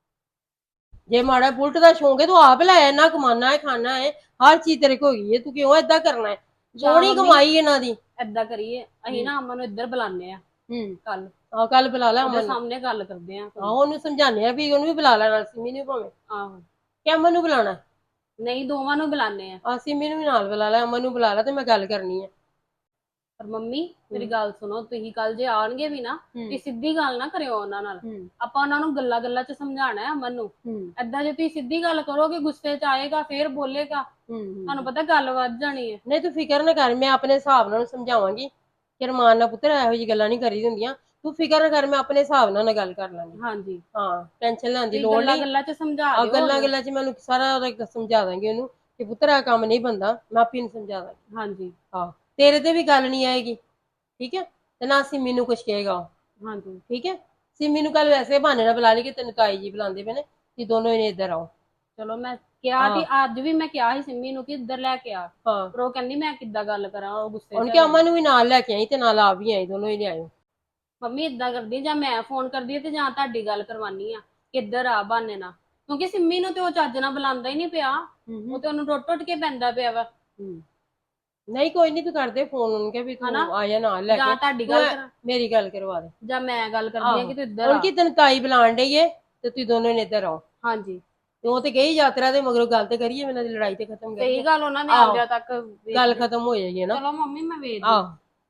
C: ਜੇ ਮਾੜਾ ਬੁਲਟ ਦਾ ਸ਼ੌਂਕ ਹੈ ਤੂੰ ਆਪ ਲੈ, ਇੰਨਾ ਕਮਾਨਾ ਹੈ, ਖਾਣਾ ਹੈ, ਹਰ ਚੀਜ਼ ਤੇਰੇ ਕੋਲ ਹੈਗੀ ਹੈ, ਤੂੰ ਕਿਉਂ ਏਦਾਂ ਕਰਨਾ ਹੈ? ਸੋਹਣੀ ਕਮਾਈ ਇਹਨਾਂ ਦੀ।
B: ਏਦਾਂ ਕਰੀਏ ਅਸੀਂ ਨਾ ਅਮਨ ਨੂੰ ਇੱਧਰ ਬੁਲਾਉਂਦੇ ਆ ਕੱਲ।
C: ਕੱਲ ਬੁਲਾ ਲੈ
B: ਉਹਦੇ ਸਾਹਮਣੇ ਗੱਲ ਕਰਦੇ ਆ।
C: ਉਹਨੂੰ ਸਮਝਾਉਂਦੇ ਆ ਵੀ ਉਹਨੂੰ ਵੀ ਬੁਲਾ ਲੈ, ਨਾਲ ਸਿੰਮੀ ਨੂੰ ਭਾਵੇਂ।
B: ਆਹੋ
C: ਕਿ ਅਮਨ ਨੂੰ ਬੁਲਾਉਣਾ?
B: ਨਹੀਂ ਦੋਵਾਂ ਨੂੰ ਬੁਲਾਉਂਦੇ ਆ।
C: ਸਿੰਮੀ ਨੂੰ ਵੀ ਨਾਲ ਬੁਲਾ ਲੈ, ਅਮਨ ਨੂੰ ਬੁਲਾ ਲੈ ਤੇ ਮੈਂ ਗੱਲ ਕਰਨੀ ਹੈ।
B: ਪਰ ਮੰਮੀ ਮੇਰੀ ਗੱਲ ਸੁਣੋ, ਤੁਸੀਂ ਕੱਲ ਜੇ ਆਣਗੇ ਵੀ ਨਾ ਤੇ ਸਿੱਧੀ ਗੱਲ ਨਾ ਕਰਿਓ ਉਹਨਾਂ ਨਾਲ। ਆਪਾਂ ਉਹਨਾਂ ਨੂੰ ਗੱਲਾਂ 'ਚ ਸਮਝਾਉਣਾ ਹੈ ਅਮਨ ਨੂੰ। ਏਦਾਂ ਜੇ ਤੁਸੀਂ ਸਿੱਧੀ ਗੱਲ ਕਰੋਗੇ ਗੁੱਸੇ 'ਚ ਆਏਗਾ, ਫੇਰ ਬੋਲੇਗਾ, ਤੁਹਾਨੂੰ ਪਤਾ ਗੱਲ ਵੱਧ ਜਾਣੀ ਹੈ।
C: ਨਹੀਂ ਤੂੰ ਫਿਕਰ ਨਾ ਕਰ, ਮੈਂ ਆਪਣੇ ਹਿਸਾਬ ਨਾਲ ਸਮਝਾਵਾਂਗੀ ਕਿ ਰਮਾਨ ਨਾਲ ਪੁੱਤਰ ਇਹੋ ਜਿਹੀ ਗੱਲਾਂ ਨਹੀਂ ਕਰੀ ਹੁੰਦੀਆਂ। ਤੂੰ ਫਿਕਰ ਨਾ ਕਰ, ਮੈਂ ਆਪਣੇ ਹਿਸਾਬ ਨਾਲ ਗੱਲ ਕਰ ਲਾਂਗੀ।
B: ਹਾਂਜੀ
C: ਹਾਂ ਟੈਨਸ਼ਨ ਲੈਣ ਦੀ
B: ਤੁਸੀਂ
C: ਲੋੜ
B: ਗੱਲਾਂ
C: ਨਹੀਂ।
B: ਗੱਲਾਂ 'ਚ ਸਮਝਾ
C: ਆ
B: ਦਿਓ
C: ਗੱਲਾਂ
B: ਉਹਨੂੰ।
C: ਗੱਲਾਂ 'ਚ ਮੈਨੂੰ ਸਾਰਾ ਉਹਦਾ ਸਮਝਾ ਦਾਂਗੀ ਉਹਨੂੰ ਕਿ ਪੁੱਤਰ ਆ ਕੰਮ ਨਹੀਂ ਬੰਦਾ, ਮੈਂ ਆਪੇ ਨੂੰ ਸਮਝਾ ਦਾਂਗੀ।
B: ਹਾਂਜੀ
C: ਹਾਂ ਤੇਰੇ ਤੇ ਵੀ ਗੱਲ ਨਹੀਂ ਆਏਗੀ, ਠੀਕ ਹੈ, ਤੇ ਨਾ ਸਿੰਮੀ ਨੂੰ ਕੁਛ ਕਹੇਗਾ ਉਹ,
B: ਹਾਂਜੀ
C: ਠੀਕ ਹੈ। ਸਿੰਮੀ ਨੂੰ ਕੱਲ ਵੈਸੇ ਬਹਾਨੇ ਨਾਲ ਬੁਲਾ ਲਈ ਕਿ ਤੈਨੂੰ ਤਾਈ ਜੀ ਬੁਲਾਉਂਦੇ ਪਏ ਨੇ, ਕਿ ਦੋਨੋਂ ਇਹਨੇ ਇੱਧਰ ਆਓ।
B: ਚਲੋ ਮੈਂ ਕਿਹਾ
C: ਹਾਂ
B: ਤੀ, ਅੱਜ ਵੀ ਮੈਂ ਕਿਹਾ ਸੀ ਸਿੰਮੀ ਨੂੰ ਕਿ ਇੱਧਰ ਲੈ ਕੇ ਆ,
C: ਹਾਂ
B: ਪਰ ਉਹ ਕਹਿੰਦੀ ਮੈਂ ਕਿੱਦਾਂ ਗੱਲ ਕਰਾਂ, ਉਹ ਗੁੱਸੇ 'ਚ
C: ਉਹਨ ਕਿ
B: ਹੈਗਾ।
C: ਅਮਨ ਨੂੰ ਵੀ ਨਾਲ ਲੈ ਕੇ ਆਈ ਤੇ ਨਾਲ ਆਪ ਵੀ ਆਈ, ਦੋਨੋਂ ਹੀ ਲਿਆਇਓ।
B: ਮੰਮੀ ਇਦਾਂ ਕਰਦੀ, ਜਾਂ ਮੈਂ ਫੋਨ ਕਰਦੀ ਆ ਤੇ ਜਾਂ ਤੁਹਾਡੀ ਗੱਲ ਕਰਵਾਨੀ ਆ ਕਿ ਇੱਧਰ ਆ ਬਹਾਨੇ ਨਾਲ, ਕਿਉਂਕਿ ਸਿੰਮੀ ਨੂੰ ਤੇ ਉਹ ਚੱਜ ਨਾਲ ਬੁਲਾਉਂਦਾ ਹੀ ਨਹੀਂ ਪਿਆ, ਉਹ ਤੇ ਉਹਨੂੰ ਟੁੱਟ ਟੁੱਟ ਕੇ ਪੈਂਦਾ ਪਿਆ ਵਾ।
C: ਨਹੀਂ ਕੋਈ ਨਹੀਂ, ਤੂੰ ਕਰਦੇ ਫੋਨ ਉਹਨੂੰ ਕਿ ਵੀ
B: ਹਨਾ?
C: ਤੂੰ ਆ ਜਾ ਨਾਲ ਲੈ
B: ਜਾਂ
C: ਕੇ,
B: ਤੁਹਾਡੀ
C: ਤੂੰ
B: ਗੱਲ ਕਰਾਂ,
C: ਮੇਰੀ ਗੱਲ ਕਰਵਾ ਦੇ।
B: ਜਾਂ ਮੈਂ ਗੱਲ ਕਰਦੀ ਆ ਕਿ ਤੂੰ ਇੱਧਰ
C: ਹੁਣ
B: ਆ।
C: ਕੀ ਤੈਨੂੰ ਤਾਈ ਬੁਲਾਣ ਡਈ ਏ ਤੇ ਤੁਸੀਂ ਦੋਨੋਂ ਨੇ ਇੱਧਰ ਆਓ।
B: ਹਾਂਜੀ
C: ਤੇ ਉਹ ਤੇ ਗਈ ਯਾਤਰਾ ਦੇ ਮਗਰੋਂ, ਗੱਲ ਤੇ ਕਰੀਏ, ਇਹਨਾਂ ਦੀ ਲੜਾਈ ਤੇ ਖਤਮ ਕਰੀਏ,
B: ਸਹੀ ਗੱਲ, ਉਹਨਾਂ ਨੇ
C: ਆਹੋ।
B: ਆਉਂਦਿਆਂ ਤੱਕ
C: ਗੱਲ ਖਤਮ ਹੋ ਜਾਏਗੀ ਨਾ।
B: ਚਲੋ ਮੰਮੀ ਮੈਂ ਵੇਖਦੀ।
C: ਆਹ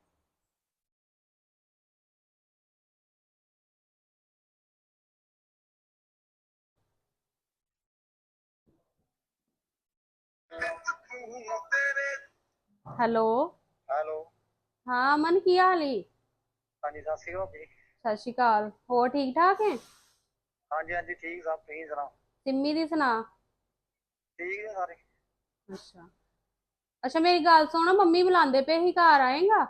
B: ਹੈਲੋ
F: ਹੈਲੋ।
B: ਹਾਂ ਅਮਨ, ਕੀ ਹਾਲ ਈ?
F: ਹਾਂਜੀ ਸਤਿ ਸ਼੍ਰੀ ਅਕਾਲ ਜੀ।
B: ਸਤਿ ਸ਼੍ਰੀ ਅਕਾਲ, ਹੋਰ ਠੀਕ ਠਾਕ ਹੈ?
F: ਹਾਂਜੀ ਹਾਂਜੀ ਠੀਕ ਸਭ, ਤੁਸੀਂ ਸੁਣਾਓ?
B: ਸਿੰਮੀ ਦੀ ਸੁਣਾ।
F: ਠੀਕ ਨੇ ਸਾਰੇ।
B: ਅੱਛਾ ਅੱਛਾ, ਮੇਰੀ ਗੱਲ ਸੁਣ, ਮੰਮੀ ਬੁਲਾਉਂਦੇ ਪਏ ਸੀ, ਘਰ ਆਏਗਾ?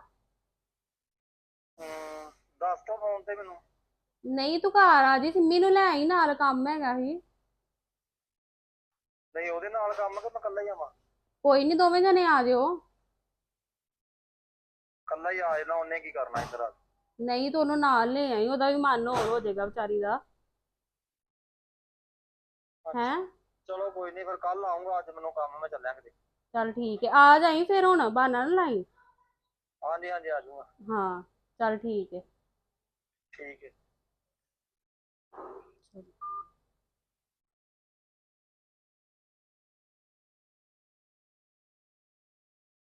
F: ਦੱਸ ਤਾ ਫੋਨ ਤੇ ਮੈਨੂੰ।
B: ਨਹੀਂ ਤੂੰ ਘਰ ਆ ਜੀ, ਸਿੰਮੀ ਨੂੰ ਲੈ ਆਈ ਨਾਲ, ਕੰਮ ਹੈਗਾ ਸੀ।
F: ਨਹੀਂ ਉਹਦੇ ਨਾਲ ਕੰਮ ਕਿ ਮੈਂ ਇਕੱਲਾ ਹੀ ਆਵਾਂ?
B: ਕੋਈ ਨਹੀਂ, ਦੋਵੇਂ ਜਣੇ ਆ ਜਿਓ।
F: ਇਕੱਲਾ ਹੀ ਆ ਜਾਣਾ, ਉਹਨੇ ਕੀ ਕਰਨਾ ਇੱਧਰ ਆ ਕੇ?
B: ਨਹੀਂ ਤੂੰ ਉਹਨੂੰ ਨਾਲ ਲੈ ਆਈ, ਉਹਦਾ ਵੀ ਮਨ ਹੋਰ ਹੋ ਜਾਏਗਾ ਵਿਚਾਰੀ ਦਾ। ਹੈਂ?
F: ਚਲੋ ਕੋਈ ਨਹੀਂ, ਫਿਰ ਕੱਲ ਆਉਂਗਾ, ਅੱਜ ਮੈਨੂੰ ਕੰਮ, ਮੈਂ ਚੱਲਿਆ ਕਿਤੇ।
B: ਚੱਲ ਠੀਕ ਹੈ, ਆ ਜਾਈ ਫਿਰ, ਹੁਣ ਬਹਾਨਾ ਨਾ ਲਾਈ।
F: ਹਾਂਜੀ ਹਾਂਜੀ ਆ ਜਾਊਂਗਾ।
B: ਹਾਂ ਚੱਲ ਠੀਕ ਹੈ।
F: ਠੀਕ ਹੈ।